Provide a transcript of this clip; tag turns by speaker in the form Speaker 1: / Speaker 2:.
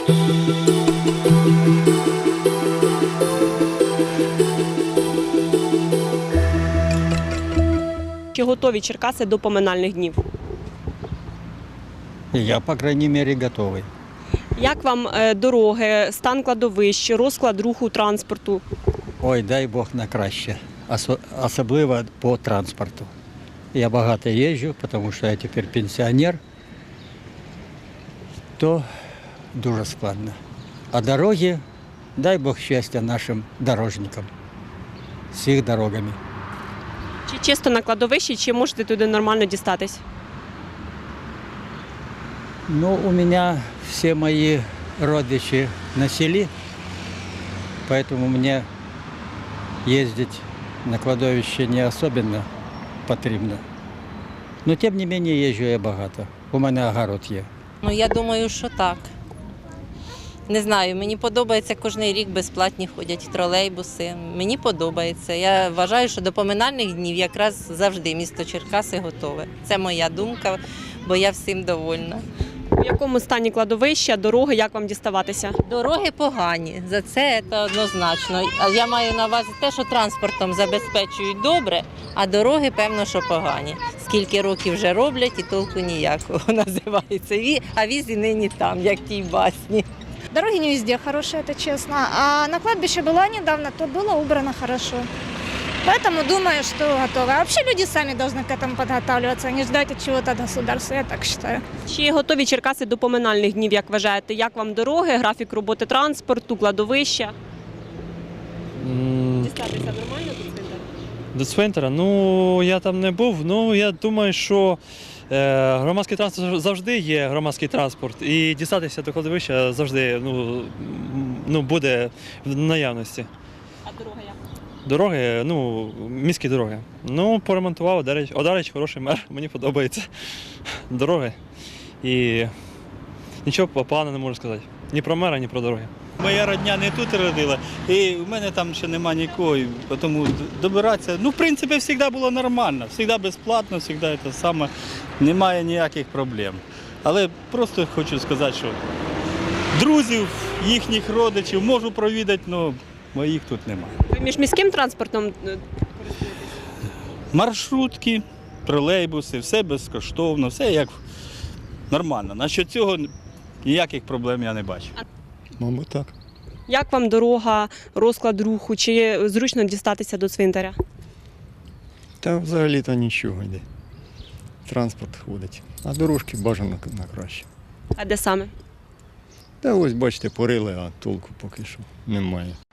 Speaker 1: Чи готові Черкаси до поминальних днів?
Speaker 2: Я, по крайней мере, готовый.
Speaker 1: Як вам дороги, стан кладовищ, розклад руху транспорту?
Speaker 2: Ой, дай Бог на краще. Особливо по транспорту. Я багато їжджу, тому що я тепер пенсіонер, то дуже складно. А дороги, дай Бог щастя нашим дорожникам з їх дорогами.
Speaker 1: Чи чисто на кладовищі, чи можете туди нормально дістатись?
Speaker 2: Ну, у меня все мои родичи на селе, поэтому мне ездить на кладовище не особенно потрібно. Но тем не менее езжу я багато. У мене огород є.
Speaker 3: Ну, я думаю, що так. Не знаю, мені подобається, кожен рік безплатні ходять тролейбуси. Мені подобається. Я вважаю, що до поминальних днів якраз завжди місто Черкаси готове. Це моя думка, бо я всім довольна.
Speaker 1: В якому стані кладовища, дороги, як вам діставатися?
Speaker 3: Дороги погані, за це однозначно. А я маю на увазі те, що транспортом забезпечують добре, а дороги, певно, що погані. Скільки років вже роблять і толку ніякого називається. А віз і нині там, як в тій басні.
Speaker 4: Дороги не везде хорошие, это честно. А на кладбище была недавно, то было убрано хорошо. Поэтому думаю, что готово. А вообще люди сами должны к этому подготавливаться, а не ждать от чего-то от государства, я так считаю.
Speaker 1: Чи готові Черкаси до поминальних днів, як вважаєте? Як вам дороги, графік роботи транспорту, кладовища? Дістатися нормально до цвинтаря?
Speaker 5: До цвинтара? Ну, я там не був. Ну, я думаю, що громадський транспорт завжди є громадський транспорт. І дістатися до кладовища завжди буде в наявності.
Speaker 1: А дорога як?
Speaker 5: Дороги, міські дороги. Ну, поремонтував, Одарич хороший мер, мені подобається. Дороги. І нічого поганого не можу сказати. Ні про мера, ні про дороги.
Speaker 6: Моя родня не тут родила, і в мене там ще нема нікого, тому добиратися, в принципі, завжди було нормально, завжди безплатно, завжди це саме, немає ніяких проблем. Але просто хочу сказати, що друзів, їхніх родичів можу провідати, але моїх тут немає.
Speaker 1: Ви міжміським транспортом?
Speaker 6: Маршрутки, тролейбуси, все безкоштовно, все як нормально. Насчет цього ніяких проблем я не бачу.
Speaker 7: Мабуть, так.
Speaker 1: Як вам дорога, розклад руху, чи зручно дістатися до цвинтаря?
Speaker 7: Та взагалі-то нічого йде. Транспорт ходить, а дорожки бажано на краще.
Speaker 1: А де саме?
Speaker 7: Та ось, бачите, порили, а толку поки що немає.